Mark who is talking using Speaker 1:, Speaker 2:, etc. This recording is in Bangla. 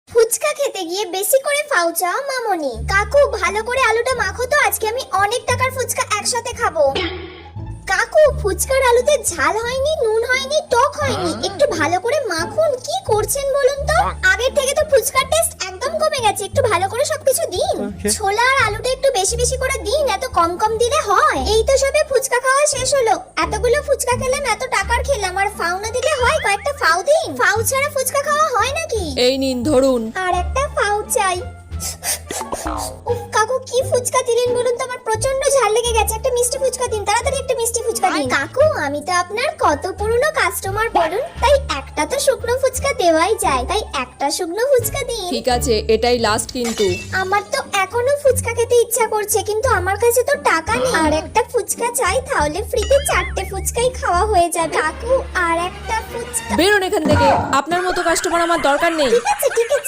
Speaker 1: ফুচকা খেতে গিয়ে বেশি করে ফাউচা মামনি। কাকু ভালো করে আলুটা মাখো তো, আজকে আমি অনেক টাকার ফুচকা একসাথে খাবো। কাকু ফুচকার আলুতে ঝাল হয়নি, নুন হয়নি, টক হয়নি, একটু ভালো করে মাখুন। কি করছেন বলুন তো? আগের থেকে তো ফুচকার টেস্ট একদম কমে গেছে, একটু ভালো করে সবকিছু দিন। ছোলা আর আলুটা একটু বেশি বেশি করে দিন, এত কম কম দিলে হয়? এই তো সবে ফুচকা খাওয়া শেষ হলো, এতগুলো ফুচকা খেলাম, এত টাকার খেলাম, আর ফাউ না দিলে হয়? কয়েকটা ফাউ দিন। ফাউ ছাড়া ফুচকা খাওয়া হয় নাকি?
Speaker 2: এই নিন ধরুন।
Speaker 1: আর একটা ফাউ চাই। উফ কাকু কি ফুচকা দিলেন বলুন তো, আমার প্রচন্ড ঝাল লেগে গেছে। একটা মিষ্টি ফুচকা দিন, তাড়াতাড়ি একটা মিষ্টি ফুচকা দিন। কাকু আমি তো আপনার কত পুরনো কাস্টমার বলুন, তাই একটা তো শুকনো ফুচকা দেওয়াই যায়, তাই একটা শুকনো ফুচকা দিন।
Speaker 2: ঠিক আছে, এটাই লাস্ট কিন্তু।
Speaker 1: আমার তো এখনো ফুচকা খেতে ইচ্ছা করছে, কিন্তু আমার কাছে তো টাকা নেই। আর একটা ফুচকা চাই, তাহলে ফ্রিতে 4টে ফুচকাই খাওয়া হয়ে যাবে। কাকু আর একটা ফুচকা।
Speaker 2: বেরোন এখান থেকে, আপনার মতো কাস্টমার আমার দরকার নেই।
Speaker 1: ঠিক আছে ঠিক আছে।